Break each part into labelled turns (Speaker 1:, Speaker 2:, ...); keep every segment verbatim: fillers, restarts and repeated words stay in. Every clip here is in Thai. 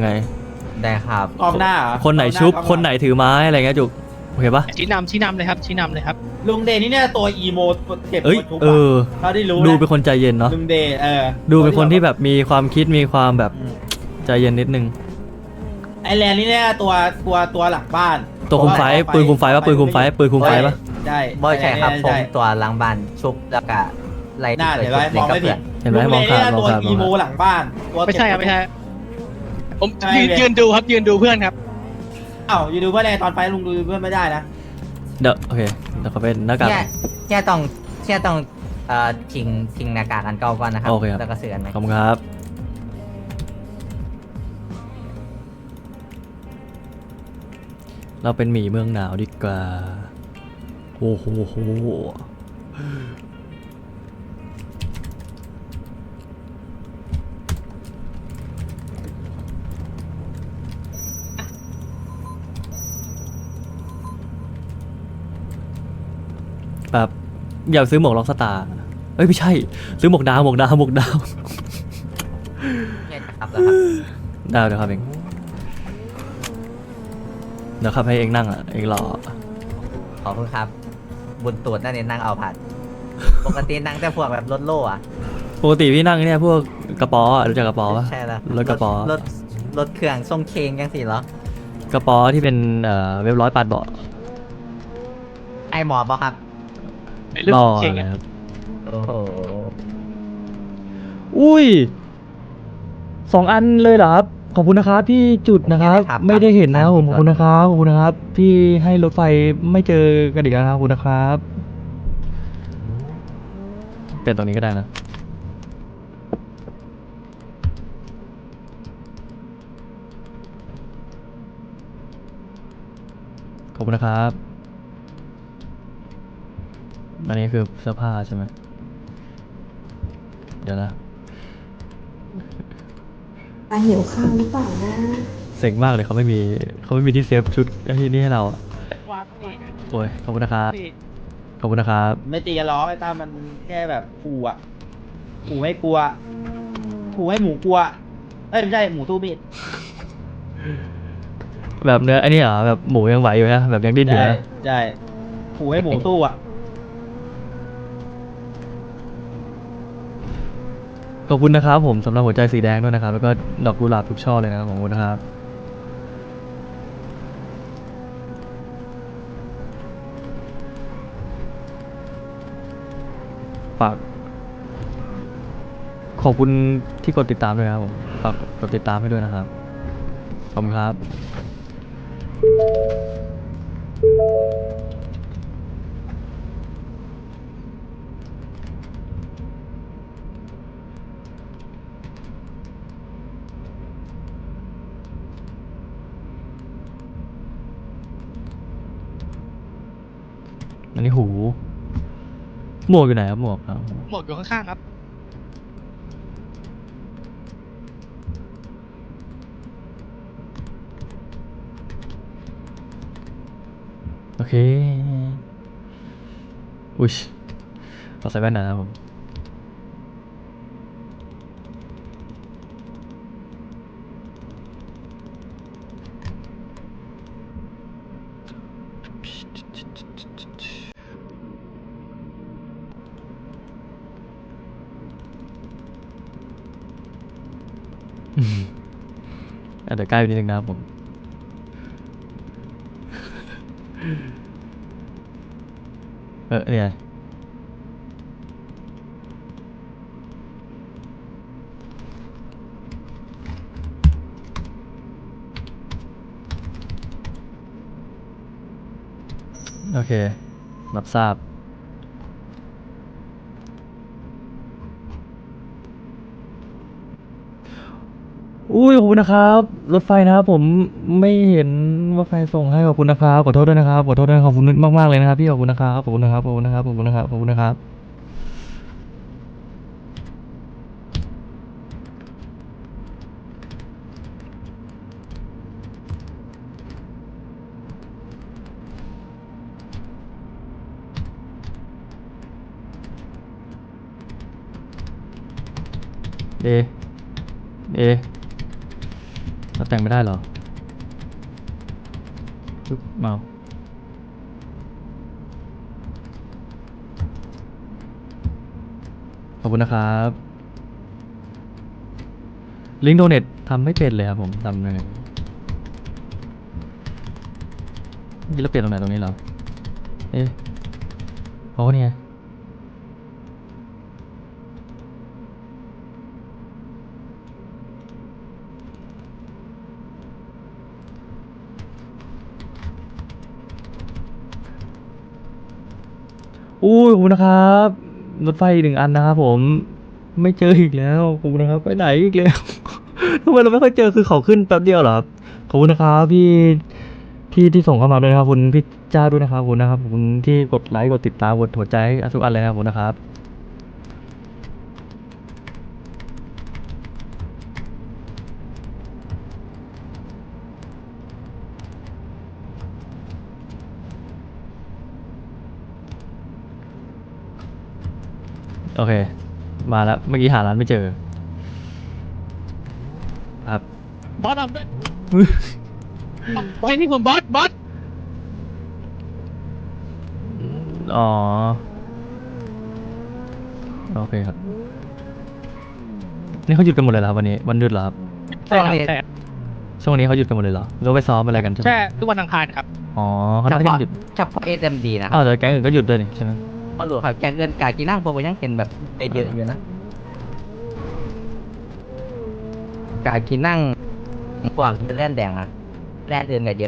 Speaker 1: ยังไง
Speaker 2: ได้ครับ
Speaker 3: กองหน้าเหรอ
Speaker 1: คนไหน
Speaker 3: กองา
Speaker 1: ชุบ
Speaker 3: กองลัง
Speaker 1: คนไหนถือไม้อะไรเงี้ยจุกโอเคปะ
Speaker 4: ชี้นำชี้นำเลยครับชี้นำเลยครับ
Speaker 3: ลุงเดย์นี่เนี่ยตัวอีโมเก็บ
Speaker 1: เอ้ย
Speaker 3: ตัวชุบ
Speaker 1: เอ
Speaker 3: อะ
Speaker 1: อ
Speaker 3: เขาได้รู้
Speaker 1: ดู
Speaker 3: นะ
Speaker 1: เป็นคนใจเย็นเนาะ
Speaker 3: ลุงเดย์เออ
Speaker 1: ดูเป็นคนที่แบบมีความคิดมีความแบบ
Speaker 3: อืม
Speaker 1: ใจเย็นนิดนึง
Speaker 3: ไอแลนด์นี่เนี่ยตัวตัวตัวหลังบ้าน
Speaker 1: ตัวคุมไฟปืนคุมไฟปะปืนคุมไฟปืนคุมไฟปะ
Speaker 3: ใช่
Speaker 2: บ่ใช่ครับผม
Speaker 3: ใช่
Speaker 2: ตัวหลังบ้านชุบแล้วก็ไล่
Speaker 3: น่า
Speaker 2: ไป
Speaker 3: เห็นไหม
Speaker 2: ชุบ
Speaker 3: มองไม่ผิด
Speaker 1: เห็นไหม
Speaker 3: ลุ
Speaker 1: มอง
Speaker 3: เดย์
Speaker 1: ขาด
Speaker 3: เนี่ย
Speaker 1: มอง
Speaker 3: ตัว
Speaker 1: ขาดม
Speaker 3: อี
Speaker 1: อง
Speaker 3: โม
Speaker 1: ขาด
Speaker 3: หลังบ้านตัว
Speaker 4: ไม่ใช่ครับไม่ใช่ผม
Speaker 3: ใช่
Speaker 4: ยืน
Speaker 3: เลย
Speaker 4: ยืนดูครับยืนดูเพื่อนครับ
Speaker 3: เอ้าอยู่ดูเพื่อนอะไรตอนไฟลุงดูเพื่อนไม่ได้นะ
Speaker 1: เดี๋ยวโอเคเดี๋ยวเขาเป็นหน้ากาก
Speaker 2: แค่แค่ต้องแค่ต้องเอ่อทิ้งทิ้งหน้ากากอันเก่าก่อนนะครับ
Speaker 1: โอเคครับ
Speaker 2: แล้วก็เสืออันใหม่
Speaker 1: ขอบคุณครับ เราเป็นหมีเมืองหนาวดีกว่าโอ้โหโหแบบอยากซื้อหมวกล็อกสตาร์เอ้ยไม่ใช่ ซื้อหมวกดาวหมวกดาวหมวกดาว
Speaker 2: แค่จะครับแล้วครับ
Speaker 1: ดาวเดี๋ยวครับเองเดี๋ยวครับให้เองนั่งอ่ะเองรอ
Speaker 2: ขอบคุณครับ บุญตรวจนั่นเองนั่งเอาผัด ปกตินั่งแต่พวกแบบรถโล่อะ
Speaker 1: ปกติพี่นั่งเนี่ยพวกกระป๋ออะรู้จักกระป๋อปะ
Speaker 2: ใช่แล้ว
Speaker 1: รถกระป๋อ
Speaker 2: รถรถเครื่องทรงเคงยังสิเหรอ
Speaker 1: กระป๋อที่เป็นเอ่อเว็บร้อยปาดเบาะ
Speaker 2: ไอหมอบอกครับ
Speaker 4: ไอ้เรื่อง
Speaker 1: รอ
Speaker 4: เข่ง
Speaker 1: อะไร
Speaker 4: อะ
Speaker 1: ครับ
Speaker 2: โอ้โห
Speaker 1: อุ้ยสองอันเลยเหรอครับขอบคุณนะครับพี่จุดนะครับ ไม่ได้เห็นนะผมขอบคุณนะครับขอบคุณนะครับพี่ให้รถไฟไม่เจอกันอีกแล้วนะครับขอบคุณนะครับเปลี่ยนตรงนี้ก็ได้นะขอบคุณนะครับอันนี้คือเสื้อผ้าใช่ไหมเดี๋ยวนะ
Speaker 5: ตาหิวข้าวหรือเปล่านะ
Speaker 1: เซ็งมากเลยเขาไม่มีเขาไม่มีที่เซฟชุดที่นี่ให้เราอะ
Speaker 4: วางนี่
Speaker 1: โอ้ยขอบคุณนะครับ
Speaker 4: นี่
Speaker 1: ขอบคุณนะครับ
Speaker 3: ไม่ตีกันล้อไอ้ตามันแค่แบบขู่อะขู่ให้กลัวขู่ให้หมูกลัวเอ้ยไม่ใช่หมูตู้มีด
Speaker 1: แบบเนื้อไอ้นี่เหรอแบบหมูยังไหวอยู่นะแบบยังดิ้นอยู่
Speaker 3: ใช่
Speaker 1: นะ
Speaker 3: ใช่ขู่ให้หมูตู้อะ
Speaker 1: ขอบคุณนะครับผมสำหรับหัวใจสีแดงด้วยนะครับ แล้วก็ดอกกุหลาบทุกช่อเลยนะครับขอบคุณนะครับฝากขอบคุณที่กดติดตามด้วยนะครับผมฝากกดติดตามให้ด้วยนะครับขอบคุณครับอันนี้หูหมวกอยู่ไหนครับหมวกครับ
Speaker 4: หมวกอยู่ข้างๆครับ
Speaker 1: โอเค อุ้ยขอใส่แว่นหนะครับผม อืมอาจจะใกล้ไปนิดนึงนะครับผม เออเนี่ยโอเค รับทราบ อุ้ยขอบคุณนะครับ รถไฟนะครับผมไม่เห็นว่าใครส่งให้ขอบคุณนะครับขอโทษด้วยนะครับขอโทษด้วยขอบคุณมากๆเลยนะครับพี่ขอบคุณนะครับขอบคุณนะครับขอบคุณนะครับขอบคุณนะครับขอบคุณนะครับเอเอเราแต่งไม่ได้เหรอปึ๊บเมาขอบคุณนะครับลิงก์โดเนททำไม่เป็นเลยครับผมทำยังไงนี่เราเปลี่ยนตรงไหนตรงนี้เหรอเอ๊ะโอ้เนี่ยอุ้ยขอบคุณนะครับรถไฟอีกหนึ่งอันนะครับผมไม่เจออีกแล้วขอบคุณนะครับไปไหนอีกแล้ว ทำไมเราไม่ค่อยเจอคือเขาขึ้นแป๊บเดียวเหรอครับขอบคุณนะครับพี่พี่ที่ส่งเข้ามาด้วยนะครับขอบคุณพี่จ้าด้วยนะครับขอบคุณนะครับขอบคุณที่กดไลค์กดติดตามกดหัวใจทุกอันเลยนะครับขอบคุณนะครับโอเคมาแล้วเมื่อกี้หาร้านไม่เจอครับ
Speaker 4: บอสเอาด้วยไปนี่ผมบอสบอส
Speaker 1: อ๋อโอเคครับนี่เขาหยุดกันหมดเลยเหรอครับวันนี้วันหยุดเหรอครับ
Speaker 4: ใช่ครับใช่
Speaker 1: ช่วงนี้เขาหยุดกันหมดเลยเหรอหรือว่าไปซ้อมอะไรกันใช่ไหม
Speaker 4: แค่ทุกวันอังคารครับ
Speaker 1: อ๋อเขา
Speaker 2: เฉ
Speaker 1: น่าจะ
Speaker 2: พาะ
Speaker 1: หยุด
Speaker 2: เฉพาะเอ็มดีนะครั
Speaker 1: อ้า
Speaker 2: บ
Speaker 1: วแต่แก๊งอื่นก็หยุดด้วยนี่ใช่ไหม
Speaker 2: ตำรวจครับแกงเงินกากีนั่งผมก็ยังเห็นแบบเยอะอยู่นะกากีนั่งพวกแร่นแดงอะแร่นเดินกันเยอะ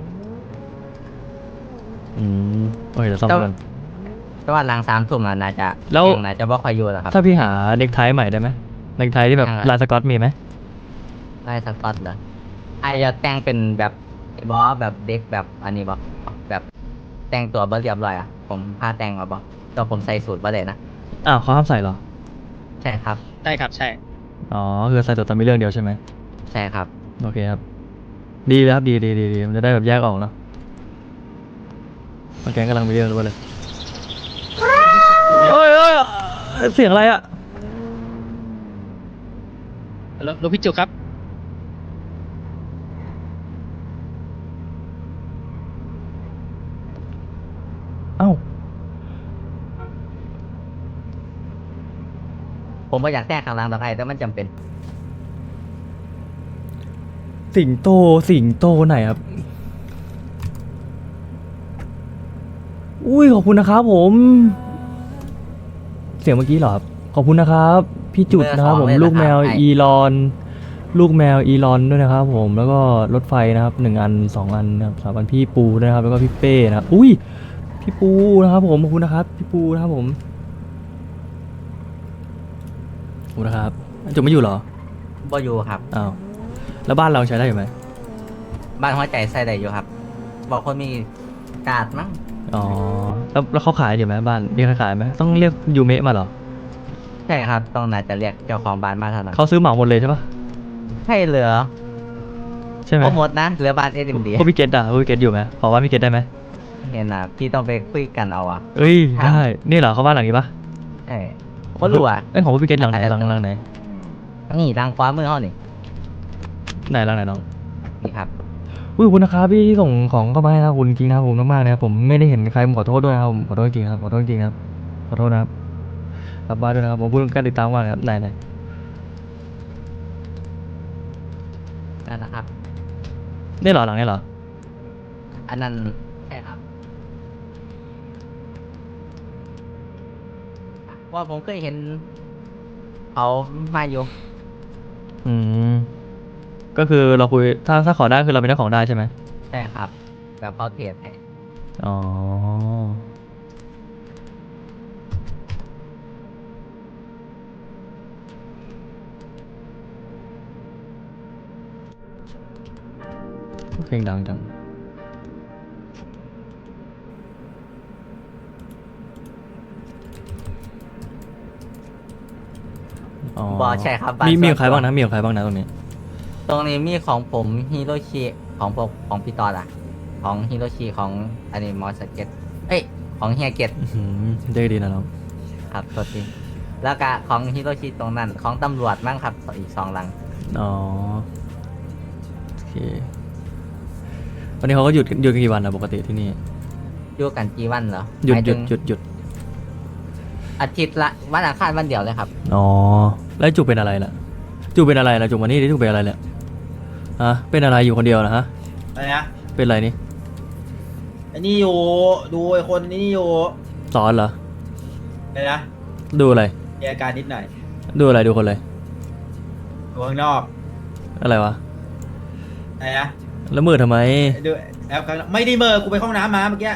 Speaker 1: อืมโอเคเดี๋ยวซ้อมกัน
Speaker 2: แต่ว่าหลังสามทุ่มน่ะน่าจะ
Speaker 1: แล้ว
Speaker 2: งน่าจะบ่ค่อยอยู่แล้วครับ
Speaker 1: ถ้าพี่หาเน็กไทใหม่ได้ไหมเน็กไทที่แบบ
Speaker 2: ยังไง
Speaker 1: ลายสก๊อตมีไหม
Speaker 2: ไล่สกอตเหรอไอจะแต่งเป็นแบบบอสแบบเด็กแบบอันนี้บอแบบแต่งตัวบ่เรียบร้อยอ่ะผมพาแต่งมาบอตัวผมใส่สูทบ่ได้นะ
Speaker 1: อ้าวเขาห้ามใส่เหรอ
Speaker 2: ใช่ครับ
Speaker 4: ใช่ครับใช่
Speaker 1: อ๋อคือใส่ตัวตอนมีเรื่องเดียวใช่ไหม
Speaker 2: ใช่ครับ
Speaker 1: โอเคครับดีเลยครับดีดีดีดีมันจะได้แบบแยกออกเนาะบางแก๊งกำลังมีเรื่องด้วยเลยโอ้ยโอ้ยเสียงอะไรอ่ะ
Speaker 4: แล้วแล้วพี่จุกครับ
Speaker 1: เอ้า
Speaker 2: ผมก็อยากแต่งข้างหลังต่อไปแต่มันจำเป็น
Speaker 1: สิงโตสิงโตไหนครับ อุ้ยขอบคุณนะครับผม เสียงเมื่อกี้เหรอครับขอบคุณนะครับ พี่จุดนะครับผม
Speaker 2: เบอร์สองเลย
Speaker 1: ลูกแมว
Speaker 2: นะครับ
Speaker 1: อีลอน ลูกแมวอีลอนด้วยนะครับผม แล้วก็รถไฟนะครับหนึ่งอันสองอันนะครับสามอันพี่ปูนะครับ แล้วก็พี่เป้นะครับ อุ้ยพี่ปูนะครับผมขอบคุณนะครับ พี่ปูนะครับผมขอบคุณนะครับจุดไม่อยู่เหรอ
Speaker 2: บ่อยู่ครับ
Speaker 1: อ้าวแล้วบ้านเราใช้ได้อยู่ไหม
Speaker 2: บ้านหัวใจใส่ได้อยู่ครับ บอกคนมีกาดมั้ง
Speaker 1: อ๋อแล้วแล้วเขาขายอยู่ไหมบ้านมีใครขายไหมต้องเรียกยูเมะมาเหรอ
Speaker 2: ใช่ครับต้องน่าจะเรียกเจ้าของบ้านมาเท่านั้น
Speaker 1: เขาซื้อเหมาหมดเลยใช่ปะ
Speaker 2: ใช่เหลือ
Speaker 1: ใช่ไหม
Speaker 2: โปรโมทนะเหลือบ้านเอ็มดี
Speaker 1: พวกพี่เกตอ่ะพวกพี่เกตอยู่ไหมขอว่าพี่เกตได้ไหม
Speaker 2: เห็นนะพี่ต้องไปคุยกันเอาอ่ะ
Speaker 1: เอ้ย
Speaker 2: ครับ
Speaker 1: ได้นี่เหรอเขาบ้านหลังนี้ปะ
Speaker 2: ใช่ก็รู้อ่ะ
Speaker 1: เอ้ยของพวกพี่เกตหลังไหน
Speaker 2: อาจจะ
Speaker 1: หลังหลังไหน
Speaker 2: นี่ทางขวามือเขานี่
Speaker 1: ไหนหลังไหนน้อง
Speaker 2: นี่ครับ
Speaker 1: อุ้ยขอบคุณนะครับพี่ที่ส่งของเข้ามาให้นะครับขอบคุณจริงนะครับผมมากๆนะครับผมไม่ได้เห็นใครผมขอโทษด้วยนะครับผมขอโทษจริงครับขอโทษจริงครับขอโทษนะครับกลับบ้านด้วยนะครับผมพูดการติดตามว่าครับไหนไหน
Speaker 2: นั่นนะครับ
Speaker 1: นี่เหรอหลังนี้เหรอ
Speaker 2: อันนั้นใช่ครับว่าผมเคยเห็นเขามาอยู่
Speaker 1: อืมก็คือเราคุยถ้าถ้าขอได้คือเราเป็นเจ้าของได้ใช่ไหม
Speaker 2: ใช่ครับ แบบเขาเทรดให้
Speaker 1: อ๋อเพลงดังจังอ๋อบ
Speaker 2: อใช่ครับ
Speaker 1: มี
Speaker 2: น
Speaker 1: มี
Speaker 2: ส่
Speaker 1: ข
Speaker 2: ว
Speaker 1: องใครบ้างนะมีของใครบ้างนะตรงนี้
Speaker 2: ตรงนี้มีของผมฮิโรชิของผมของพี่ตอดอ่ะ ของฮิโรชิของอันนี้มอสเก็ตเอ้ยของเฮียเก็ต
Speaker 1: อื้อหือเจ๊ดีนะน้อง
Speaker 2: ครับตัวจริงแล้วก็ของฮิโรชิตรงนั้นของตำรวจมั้งครับอีกสองหลัง
Speaker 1: อ๋อเควันนี้เขาก็หยุดหยุดกันกี่วันนะปกติที่นี่
Speaker 2: อยู่กันกี่วันเหรอ
Speaker 1: หยุด
Speaker 2: มาย
Speaker 1: หยุ
Speaker 2: ถึ
Speaker 1: ด
Speaker 2: ง
Speaker 1: หยุดหยุด
Speaker 2: อาทิตย์ละวันอังคารวันเดียวเลยครับ
Speaker 1: อ๋อแล้วจุกเป็นอะไรล่ะจุกเป็นอะไรล่ะจุกวันนี้จุกเป็นอะไรเนี่ยฮะเป็นอะไรอยู่คนเดียวนะฮะ
Speaker 3: อะไรนะ
Speaker 1: เป็นอะไรนี่
Speaker 3: ไอ้นี่อยู่ดูไอ้คนนี่อยู่
Speaker 1: สอนเหรอ
Speaker 3: อะไรนะ
Speaker 1: ดูอะไร
Speaker 3: มีอาการนิดหน่อย
Speaker 1: ดูอะไรดูคนเลย
Speaker 3: อยู่ข้างนอก
Speaker 1: อะไรวะ
Speaker 3: อะไรนะ
Speaker 1: แล้วมือทำไม
Speaker 3: ดูแอปข้างนอกไม่ได้เมอร์กูไปเข้าห้องน้ำมาเมื่อกี้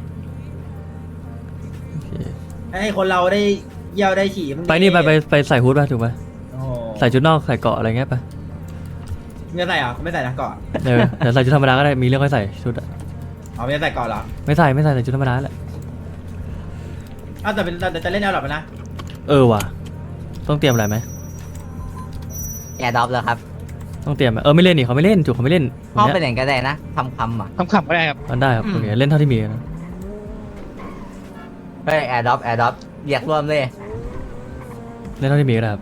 Speaker 1: โอเค
Speaker 3: ให้คนเราได้เยี่ยวได้ฉี่มึง
Speaker 1: ไปนี่ไปไปไปใส่ฮูดป่ะถูกไหม
Speaker 3: โอ้โห
Speaker 1: ใส่ชุดนอกใส่เกาะอะไรเงี้ยไป
Speaker 3: มึงจะใส่เหรอกูไม่ใส่นะเกาะ
Speaker 1: เออแต่ใส่ชุดธรรมดาก็ได้มีเรื่องค่อยใส่ชุดอะ
Speaker 3: อ๋อไม่ได้ใส่เกาะเหรอ
Speaker 1: ไม่ใส่ไม่ใส่ใส่ชุดธรรมดาแหละ
Speaker 3: อ้าวแต่เป็นแต่จะเล่นแอลหรอปะนะ
Speaker 1: เออว่ะต้องเตรียมอะไรไหม
Speaker 2: แอร์ดรอปแล้วครับ
Speaker 1: ต้องเตรียมไหมเออไม่เล่นนี่เขาไม่เล่นจุกเขาไม่เล่น
Speaker 2: ห้อง
Speaker 1: วัน
Speaker 2: เป็น
Speaker 1: เนี้ย
Speaker 2: อย่างก็ได้นะคำคำๆอ่ะ
Speaker 4: คำขำก็ได้ครับ
Speaker 1: มันได้ครับโอเคเล่นเท่าที่มีนะ
Speaker 2: เฮ้ยแอร์ดรอปแอร์ดรอปเรียกรวมเลย
Speaker 1: เล่นเท่าที่มีก็ได้ครับ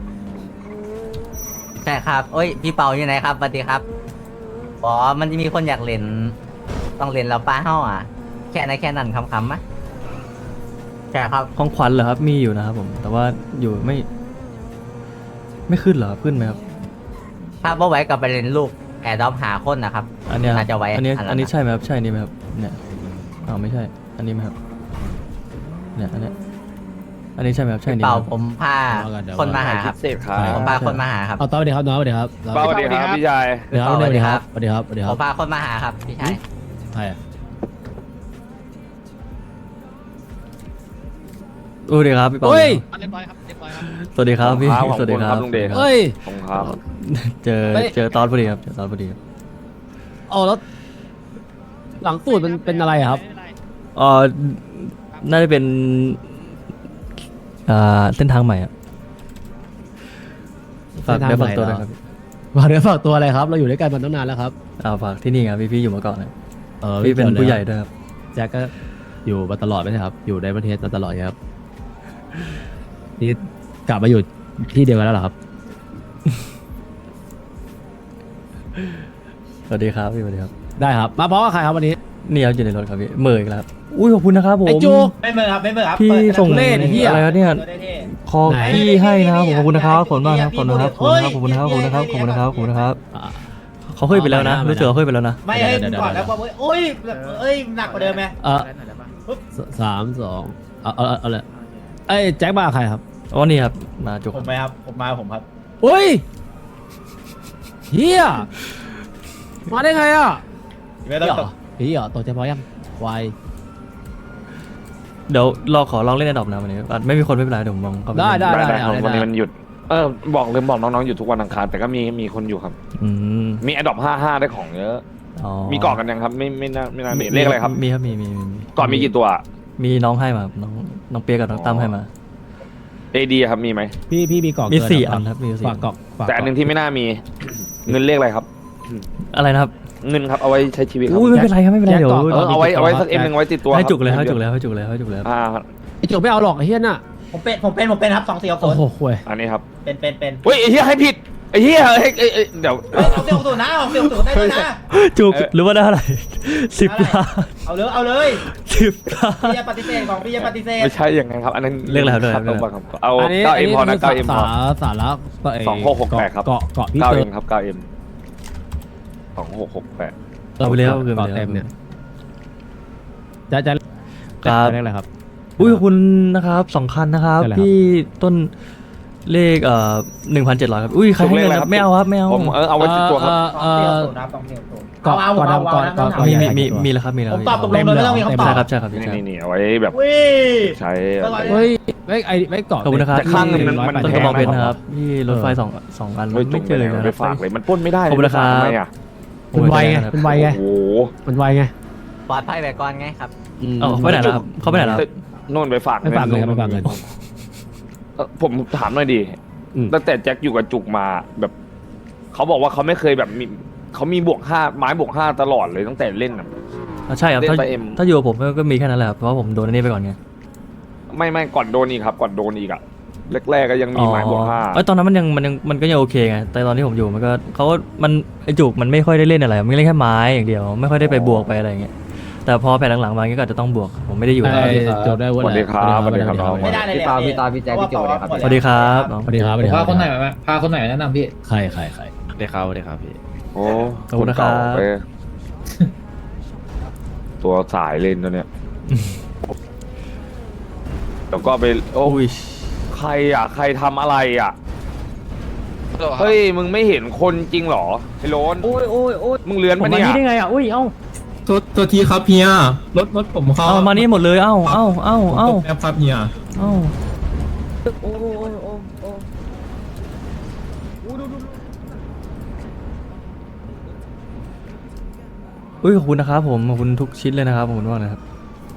Speaker 2: ใช่ครับเอ้ยพี่เปาอยู่ไหนครับสวัสดีครับอ๋อมันจะมีคนอยากเล่นต้องเล่นแล้วป้าเฮาอ่ะแค่นั้นแค่นั้นคำคำๆมะใช่ครับ
Speaker 1: ของขวัญเหรอครับมีอยู่นะครับผมแต่ว่าอยู่ไม่ ไม่ขึ้นเหรอครับขึ้นไหมครับ
Speaker 2: ถ้าบ่ไหวกับไปเล่นลูกแอร์ดรอปหาคนนะครับ
Speaker 1: อันเนี้ย
Speaker 2: น่าจะไว้
Speaker 1: อันนี้
Speaker 2: อันนั้น
Speaker 1: อันนี้
Speaker 2: นะ
Speaker 1: ใช่ไหมครับใช่นี่ไหมครับเนี่ยอ้าวไม่ใช่ อันนี้ไหมครับเนี่ยอันเนี้ยอันนี้ใช่ไหมครับใช่
Speaker 2: พี่
Speaker 1: นี่ไหม
Speaker 2: เปา
Speaker 1: ครับ
Speaker 2: ผมพาคนมาหาครับ
Speaker 6: เสพครับ
Speaker 2: ผมพาคนมาหาครับ
Speaker 7: เอาต้อสวัสดีครับน้องสวัสดีครับ
Speaker 6: ป้าสวัสดีครับพี่ชาย
Speaker 7: สวัสดีครับสวัสดีครับสวัสดีครับสวัสดีค
Speaker 2: ผ
Speaker 7: รับ
Speaker 2: มพาคนมาหาครับพี่ชาย
Speaker 7: ใครอะ
Speaker 1: สวัสดีครับพี่เปา
Speaker 7: เฮ้ย
Speaker 4: เรียบร้อยครับเรียบร้อยครับ
Speaker 1: สวัสดีครับพี่
Speaker 6: ขอบคุณครับ
Speaker 1: สวัสดีครับ
Speaker 6: ขอบคุณครับลุงเดช
Speaker 7: เฮ้ย
Speaker 6: ขอบคุณครับ
Speaker 1: เจอ
Speaker 7: เฮ้ย
Speaker 1: เจอตอนพอดีครับเจอตอนพอดีครับ
Speaker 7: เอาแล้วหลังตูดมันเป็นอะไรอะครับ
Speaker 1: เอ่อน่าจะเป็นอ่าเส้นทางใหม่อะฝากเดี๋ยวฝากตัวด้วยครับพี่
Speaker 7: ฝากเนื้อฝากตัวอะไรครับ เราอยู่ด้วยกันมาตั้งนานแล้วครับ
Speaker 1: อ่าฝากที่นี่ครับพี่พี่อยู่มาก่อนนะ
Speaker 7: เออ
Speaker 1: พี่เป็น
Speaker 7: ไม่กี่ยวลย
Speaker 1: ผู้ใหญ่
Speaker 7: ครับ
Speaker 1: ด้วยครับ
Speaker 7: แจ็คก็อยู่มาตลอดไม่ใช่ครับ อยู่ในประเทศมาตลอดครับนี่กลับมาอยู่ที่เดียวกันแล้วเหรอครับ
Speaker 1: สวัสดีครับพี่สวัสดีครับ
Speaker 7: ได้ครับ มาเพราะว่าใครครับวันนี้
Speaker 1: นี่ครับอยู่ในรถครับพี่เมย์อีกแล้วครับอุ้ยขอบคุณนะครับผม
Speaker 7: ไอ้จุก
Speaker 3: ไม่เมอร์ครับไม่เมอร์ครับ
Speaker 1: พี่
Speaker 3: เปิด
Speaker 1: ส่ง
Speaker 7: เล่นไอ้เหี้ย
Speaker 1: อะไรครับเนี่ย
Speaker 3: เปิดได้เท่
Speaker 1: คอ
Speaker 7: ไหน
Speaker 1: พี่ให้นะครับผมขอบคุณนะครับขอบคุณมากครับขอบคุณนะครับขอบ
Speaker 3: เฮ้
Speaker 1: คุณ
Speaker 3: ย
Speaker 1: นะครับขอบคุณนะครับขอบคุณนะครับขอบคุณนะครับขอบคุณนะครับ
Speaker 7: อ่ะ
Speaker 1: เขาเคยไปแล้วนะ
Speaker 7: เอาไปนะ
Speaker 1: รู้สึกเขาเคยไปแล้วนะ
Speaker 3: ไม่ให้
Speaker 7: เดี๋ยวๆๆ
Speaker 3: ก่อนแล้วว่าเว้ยโอ้ยแบบเอ้ยหนักกว่าเดิมไหม
Speaker 7: เออสสามสองเอาเอาเอาเอาเลยเอ้ยแจ็คมากับใครครับ
Speaker 1: อ๋อนี่ครับมาจุก
Speaker 3: ผมไหมครับผมมาผมครับ
Speaker 7: อุ้ยเฮียมาได้ไงอ่ะ
Speaker 3: ไม่ต้องตก
Speaker 7: พี่เหรอตกใจพอยังวาย
Speaker 1: เดี๋ยวรอขอลองเล่นในดอบนะวันนี้อ่ะไม่มีคนไม่เป็นไรเดี๋ยวผมมองเข้าป
Speaker 7: ได้
Speaker 1: เล่น
Speaker 7: ได้
Speaker 6: ได้
Speaker 7: ได้เอา
Speaker 6: ครับ
Speaker 7: ได้
Speaker 6: วันนี้มันหยุด เออบอกลืมบอกน้องๆอยู่ทุกวันอังคารแต่ก็มีมีคนอยู่ครับ
Speaker 1: อืม
Speaker 6: มีอดอปห้าห้าได้ของเยอะ
Speaker 1: อ๋อ
Speaker 6: มีเกาะกันยังครับ ไม่ไม่น่าไม่น่ามีเลขอะไรครับ
Speaker 1: มีครับมีมีมีมี
Speaker 6: เกาะมีกี่ตัว
Speaker 1: มีน้องให้มาครับน้องน้องเปียกกับน้องตั้มให้มา
Speaker 6: เอดีครับมีไหม
Speaker 7: พี่พี่มีกล่อง
Speaker 1: มี
Speaker 7: เกิ
Speaker 1: สี่
Speaker 7: เห
Speaker 1: อันครับมีสี่
Speaker 7: ฝากกล่องฝาก
Speaker 6: แต่อันหนึงที่ไม่น่ามี เงินเลขอะไรครับ
Speaker 1: อะไรนะครับ
Speaker 6: เงินครับเอาไว้ใช้ชีวิตครับ
Speaker 1: อุ้ยไม่เป็นไรครับไม่เป็นไรเดี๋ยว
Speaker 6: เออเอาไว้เอาไว้สักเอ็มหนึ่งไว้ติดตัว
Speaker 1: ให้
Speaker 6: ครับ
Speaker 1: จุกเลยให้จุกเลยให้จุกเลยให้จุกเลย
Speaker 6: อ่า
Speaker 7: ไอ้จุกไม่เอาหรอกไอ้เฮียน่ะ
Speaker 3: ผมเป็นผมเป็นผมเป็นครับสองสี่หกศู
Speaker 7: โอ้
Speaker 3: นย์
Speaker 7: โหห่วย
Speaker 6: อันนี้ครับ
Speaker 3: เป็นเป็นเป็น
Speaker 6: เฮ้ยไอ้เหี้ยให้ผิดไอ้เหี้ยเฮ้ยเอ้ยเอ้ยเดี๋ยว
Speaker 3: เฮ้ยเอาเสี่หกศูนย์นะเอาเสี่หกศูนย์ได้ด้วยนะ
Speaker 1: จุก
Speaker 6: เออ
Speaker 1: หรือว่าได้อะไรสิบล้าน
Speaker 3: เอาเลยเอาเลย
Speaker 1: สิบล้าน
Speaker 3: พี่จะปฏิเสธของพี่จะปฏิเสธ
Speaker 6: ไม่ใช่อย่างนั้นครับ อันนั้น
Speaker 1: เลขอะไรครับเลขอะไร
Speaker 6: ครับเอา
Speaker 7: อันนี้
Speaker 6: เก้าเอ็มพอนะ
Speaker 7: คื
Speaker 6: เก้าเอ็มพ
Speaker 7: สา
Speaker 6: อ
Speaker 7: สาระไ
Speaker 6: สองหกหกแปดครับ
Speaker 7: เกาะเกาะพี่
Speaker 6: เก้า
Speaker 7: เติ
Speaker 6: เอ็
Speaker 7: ม
Speaker 6: มครับเก้าเอ็มสองหกหกแปด
Speaker 1: เอาไปแล้วเอาไปแล้ว
Speaker 7: เกาะเต็มเนี่ยจะจะ
Speaker 1: ครับ
Speaker 7: จะเรียกอะไรครับ
Speaker 1: อุ้ยขอบคุณนะครับสองคันนะครับ
Speaker 7: ได้เลยครับ
Speaker 1: พี่ต้นเลขเอ่อหนึ่งพันเจ็ดร้อยครับอุ้ยใครให้เงินครับไม่เอาครับไม่เอา
Speaker 6: ผมเออเอาไว้ติดตัวครับ
Speaker 7: เอ่
Speaker 3: สอง
Speaker 7: อ
Speaker 3: สี่ห
Speaker 7: เอ่
Speaker 3: ก
Speaker 7: อ
Speaker 3: ศูนย์นะครับสองสี่หกศูนย์
Speaker 7: เกาะ
Speaker 3: เอาเอา
Speaker 7: เกาะ
Speaker 3: เอา
Speaker 7: ดำ
Speaker 3: เอา
Speaker 7: เกาะ
Speaker 3: เอา
Speaker 7: เกาะ
Speaker 3: เอา
Speaker 1: มี
Speaker 3: เอา
Speaker 1: มีมีมีแล้วครับมีแล้ว
Speaker 3: ผมตอบตกลงเลยไม่ต้องมีคำตอบ
Speaker 1: ใช่ครับใช่ครับพี่
Speaker 6: นี่
Speaker 1: ใช่
Speaker 6: นี่นี่เอาไว้แบบ
Speaker 3: อุ้ย
Speaker 6: ใช้
Speaker 3: ก็ร้อย
Speaker 7: เฮ้ยไม่ไอไม่เกาะ
Speaker 1: ขอบคุณนะครับ
Speaker 6: แต่ข้างหนึ่งมันมัน
Speaker 1: ต้น
Speaker 6: แพ
Speaker 1: กระ
Speaker 6: ง
Speaker 1: บอกเพชร
Speaker 6: มาก
Speaker 1: นะครับพี่รถไฟสองสองอัน
Speaker 6: เฮ้ยจุ
Speaker 1: ไม่
Speaker 6: ก
Speaker 1: เจอเลย
Speaker 6: ไป
Speaker 1: นะ
Speaker 6: ไปฝากเลยมันปล้นไม่ได้
Speaker 1: ขอบคุณนะครับ
Speaker 6: ทำไมอ่ะ
Speaker 7: มันไวไงมันไวไง
Speaker 6: โอ้โห
Speaker 7: มันไวไง
Speaker 2: ปลอดภัยแบบก่อนไงครับ
Speaker 1: เอ้าเขาไปไหนแล้วครับเขาไปไหนแล้วครับ
Speaker 6: โน่นไปฝาก
Speaker 7: ไม่ฝากเงินครับไม่ฝากเงิน
Speaker 6: เอ่อผมถามหน่อยดิ
Speaker 7: อืม
Speaker 6: ตั้งแต่แจ็คอยู่กับจุกมาแบบเขาบอกว่าเขาไม่เคยแบบมีเขามีบวกห้าไม้บวกห้าตลอดเลยตั้งแต่เล่นอ่ะ
Speaker 1: อ่ะใช่ครับ
Speaker 6: เล่น
Speaker 1: ถ้า
Speaker 6: ไปเอ็ม
Speaker 1: ถ้าอยู่กับผมก็มีแค่นั้นแหละครับเพราะว่าผมโดนอันนี้ไปก่อนไง
Speaker 6: ไม่ไม่ก่อนโดนอีกครับ ก่อนโดนอีกอ่ะแรกๆก็ยังมีไม้บวกห้า
Speaker 1: เอ้ยตอนนั้นมันยังมันยังมันก็ยังโอเคไงแต่ตอนที่ผมอยู่มันก็เขาก็มันไอจุกมันไม่ค่อยได้เล่นอะไรมันเล่นแค่ไม้อย่างเดียวไม่ค่อยได้ไปบวกไปอะไรอย่างเงี้ยแต่พอแผ่นหลังๆมาก็อาจจะต้องบวกผมไม่ได้อยู่
Speaker 7: ไอ้
Speaker 1: แล้ว
Speaker 7: จบได้
Speaker 6: สวัสดีครับสวัสดีครับน้อง
Speaker 3: ไม่ได้เลย
Speaker 2: พี่เปาพี่ตาพี่แจ๊คพี่โจเลยครับ
Speaker 1: สวัสดีครับน้อง
Speaker 7: สวัสดีครับสวัสดีค
Speaker 8: พา
Speaker 7: รับ
Speaker 8: คนไหนมาพาคนไหนแนะนำพี่
Speaker 7: ใครใครใคร
Speaker 9: ได้ครับได้ครับพี่
Speaker 6: โอ้
Speaker 1: ขอบคุณนะครับ
Speaker 6: เก่าไปตัวสายเล่นตัวเนี้ยแล้วก็ไปโอ้
Speaker 1: อุ้ย
Speaker 6: ใครอ่ะใครทำอะไรอ่ะเฮ้ยมึงไม่เห็นคนจริงเหรอไอ้โรน
Speaker 3: โอ้ยโอ้ยโอ้ย
Speaker 6: มึงเลื้อน
Speaker 1: ผม
Speaker 6: ปะ
Speaker 1: มา
Speaker 6: เนี่ย
Speaker 1: นี่ได้ไงอ่ะอุ้ยเอ้า
Speaker 8: ตัวตัวทีครับเฮียรถรถผมเขา
Speaker 1: เอามานี่หมดเลยเอ้าเอ้าเอ้าเอ้า
Speaker 8: แอปครับเฮีย
Speaker 1: เอ้า
Speaker 3: โอ้ยโอ้ยโอ้ยโอ้ย
Speaker 1: อุ้ยขอบคุณนะครับผมขอบคุณทุกชิ้นเลยนะครับขอบคุณมากนะครับ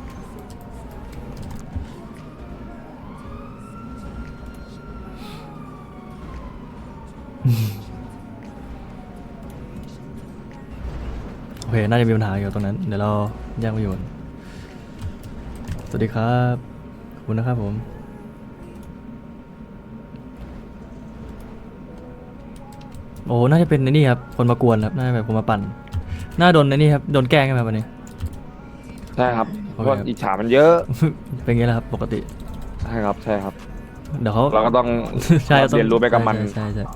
Speaker 1: โอเคน่าจะมีปัญหาอยู่ตรงนั้นเดี๋ยวเราแยกไปอยู่กันสวัสดีครับขอบคุณนะครับผมโอ้น่าจะเป็นไอ้นี่ครับคนมากวนครับน่าจะแบบคนมาปั่นน่าโดนไอ้นี่ครับโดนแกล้งใช่ไหมวันนี้
Speaker 6: ใช่ครับ
Speaker 1: โอ
Speaker 6: เพ
Speaker 1: เค
Speaker 6: ราะอิจฉามันเยอะ
Speaker 1: เป็นไงล่ะครับปกติ
Speaker 6: ใช่ครับใช่ครับ
Speaker 1: เดี๋ยวเขา
Speaker 6: เราก็ต้อง
Speaker 1: ใช่ต้อง
Speaker 6: เรียนรู้ไปกับมัน
Speaker 1: ใช่ใช่ใช่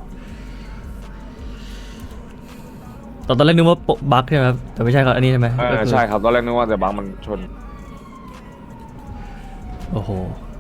Speaker 1: ตอนตอนแรกนึกว่าโปะบั๊กใช่ไหมครับแต่ไม่ใช่ครับอันนี้ใช่ไหม
Speaker 6: เอ
Speaker 1: ก็
Speaker 6: อ
Speaker 1: คือ
Speaker 6: ใช่ครับตอนแรกนึกว่าแต่บางมันชน
Speaker 1: โอ้โห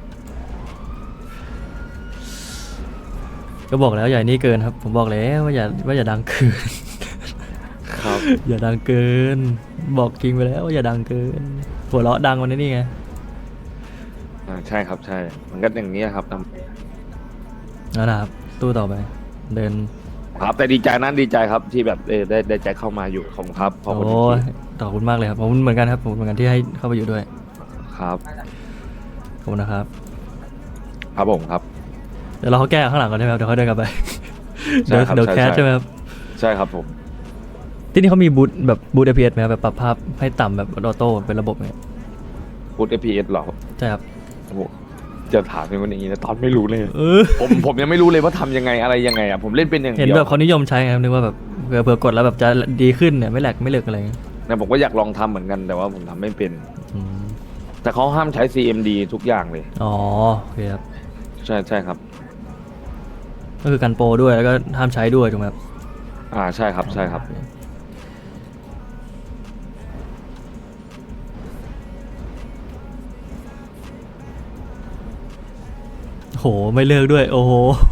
Speaker 1: ก็บอกแล้วอย่านี่เกินครับ ผมบอกแล้วว่าอย่าว่าอย่าดังเกิน
Speaker 6: ครับ
Speaker 1: อย่าดังเกิน บอกจริงไปแล้วว่าอย่าดังเกินหัวเราะดังวันนี้นี่ไง
Speaker 6: อ่าใช่ครับใช่ มันก็อย่างนี้ครับ
Speaker 1: นั่นนะครับตู้ต่อไป เดิน
Speaker 6: ครับแต่ดีใจนะดีใจครับที่แบบเออได้ได้ใจเข้ามาอยู่ขอบคุณครับขอบคุณ
Speaker 1: โอ้ย
Speaker 6: ที่
Speaker 1: ขอบคุณมากเลยครับขอบคุณเหมือนกันครับขอบคุณเหมือนกันที่ให้เข้าไปอยู่ด้วย
Speaker 6: ครับ
Speaker 1: ขอบคุณนะครับ
Speaker 6: ครับผมครับ
Speaker 1: เดี๋ยวเราเขาแก้ข้างหลังก่อนใช่ไหมครับเดี๋ยวเขาเดินกลับไป
Speaker 6: ใช่
Speaker 1: เดี๋ยว
Speaker 6: ครับ
Speaker 1: เดี๋ยว
Speaker 6: ใช่
Speaker 1: แคส
Speaker 6: ใช่
Speaker 1: ใช่ไหมครับ
Speaker 6: ใช่ครับผม
Speaker 1: ที่นี่เขามีบูทแบบบูทเอพีเอสไหมครับแบบปรับภาพให้ต่ำแบบออโต้เป็นระบบเนี่ย
Speaker 6: พูด เอ พี เอส เหรอ
Speaker 1: ใช่ครับ
Speaker 6: โอ้โหจะถามเป็นคนอย่างนี้นะตอนไม่รู้เลย
Speaker 1: เออ
Speaker 6: ผมผมยังไม่รู้เลยว่าทำยังไงอะไรยังไงอ่ะผมเล่นเป็นอย่าง
Speaker 1: เห็น
Speaker 6: เดียว
Speaker 1: แบบเขานิยมใช้ไงครับนึกว่าแบบเผื่อเผื่อกดแล้วแบบจะดีขึ้นเนี่ยไม่แหลกไม่เหลือกอะไรเงี้ย
Speaker 6: นะผมก็อยากลองทำเหมือนกันแต่ว่าผมทำไม่เป็น
Speaker 1: อืม
Speaker 6: แต่เขาห้ามใช้ ซี เอ็ม ดี ทุกอย่างเลย
Speaker 1: อ๋อโอเคครับ
Speaker 6: ใช่ใช่ครับ
Speaker 1: ก็คือกันโปรด้วยแล้วก็ห้ามใช้ด้วยถูกไหมครับ
Speaker 6: อ่าใช่ครับใช่ครับ
Speaker 1: โหไม่เลิกด้วย โอ้โห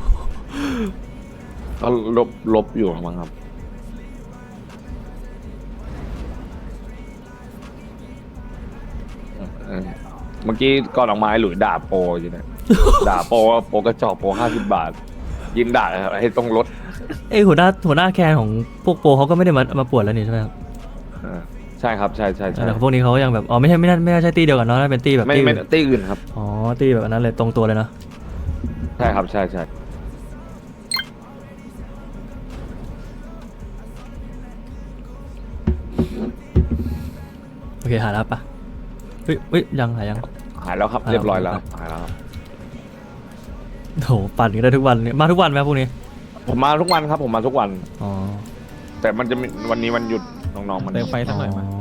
Speaker 6: ก็ลบลบอยู่มั้งครับเออเมื่อกี้ก่อนออกมาไอ้หลุยด่าโปรอยู่เนี่ย ด่าโปรว่าโปรกระจอกโปรห้าสิบบาท ยิงด่าให้ต้องลด
Speaker 1: เอ้ยหัวหน้าหัวหน้าแคนของพวกโปรเขาก็ไม่ได้มามาปวดแล้วนี่ใช่ไหมครับ
Speaker 6: เออใช่ครับใช่ใช่ใช่
Speaker 1: แต่พวกนี้เขายังแบบอ๋อไม่ใช่ไม่น่าไม่น่าใช่ตีเดียวกันเนาะน่าเป็นตีแบบ
Speaker 6: ไม่
Speaker 1: ตี
Speaker 6: ไม่
Speaker 1: อื่น
Speaker 6: ตีอื่นครับ
Speaker 1: อ๋อตีแบบอันนั้นเลยตรงตัวเลยเนาะ
Speaker 6: ใช่ครับใช่ใช่
Speaker 1: โอเคหายแล้วปะเฮ้ยเฮ้ยยังหายยัง
Speaker 6: หายแล้วครับ
Speaker 1: หายแล้ว
Speaker 6: เรียบร้อยแล้วหายแล้วครับ
Speaker 1: โหปั่นกันได้ทุกวันเนี่ยมาทุกวันไหมครับพวกนี้
Speaker 6: ผมมาทุกวันครับ ผมมาทุกวัน
Speaker 1: อ๋อ
Speaker 6: แต่มันจะมีวันนี้วันหยุดน้องๆมัน
Speaker 9: เติมไฟสักหน่อยมา
Speaker 1: อ๋อ